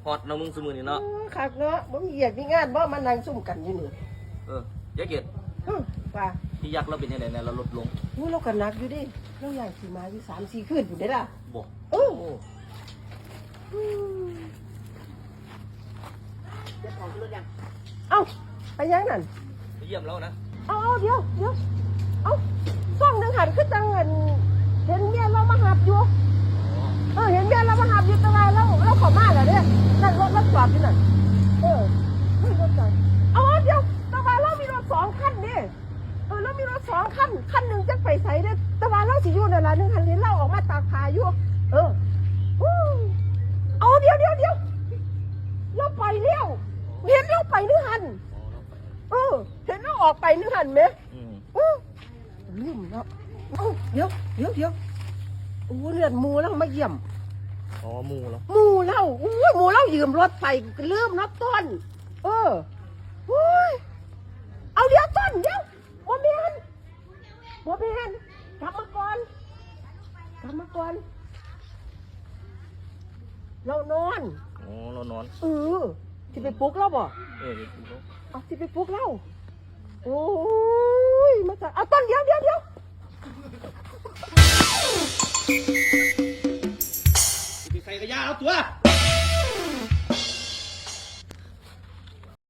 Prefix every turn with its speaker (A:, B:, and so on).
A: อตน้องมึงสมือนี่เนาะ
B: คักเนาะบ่มีเอียดมีงานบ่มานั่งซุ่มกันอยู่นี่
A: ยายเกด
B: ว่า
A: พี่ยักษ์เราเป็นยังไงเนี่ยเราลดลง
B: เราก็หนักอยู่ดิเราย่างขี่ม้าอยู่3-4 คืนอยู่ได้ล่ะ
A: บ่
B: จะถอดรถยังเอ้าไปยังนั่น
A: ไปเยี่ยมแล้วนะ
B: เอาเดี๋ยวซ่องหนึ่งหันขึ้นจังเงินเห็นเมียเรามาหับอยู่เห็นเมียเรามาหับอยู่ตรงไหนเราขอมาแล้วเนี่ยนั่นรถจอดอยู่นั่นไม่รถจอดเดี๋ยวตะวันเรามีรถ2 คันนี่เรามีรถ2 คันหนึ่งจะไปใส่เนี่ยตะวันเราสิอยู่นั่นละ1 คันเห็นเราออกมาตากผ้าอยู่เดี๋ยวเราไปเลี้ยวเห็นเราไป1 คันเห็นเราออกไป1 คันไหมลืมแล้วเดี๋ยวเลือดมูแล้วมาเยี่ยม
A: มูแล้ว
B: มูแล้วยืมรถไปลืมรถต้นเอาเดี๋ยวต้นเดี๋ยวบ่แม่นกลับมาก่อนเรานอนที่ไปปลุกเราบ่ที่ไปปลุกเราโอ้ยมาจากเอาต้นเดี๋ยว
A: ใครก็ยาเอาตัว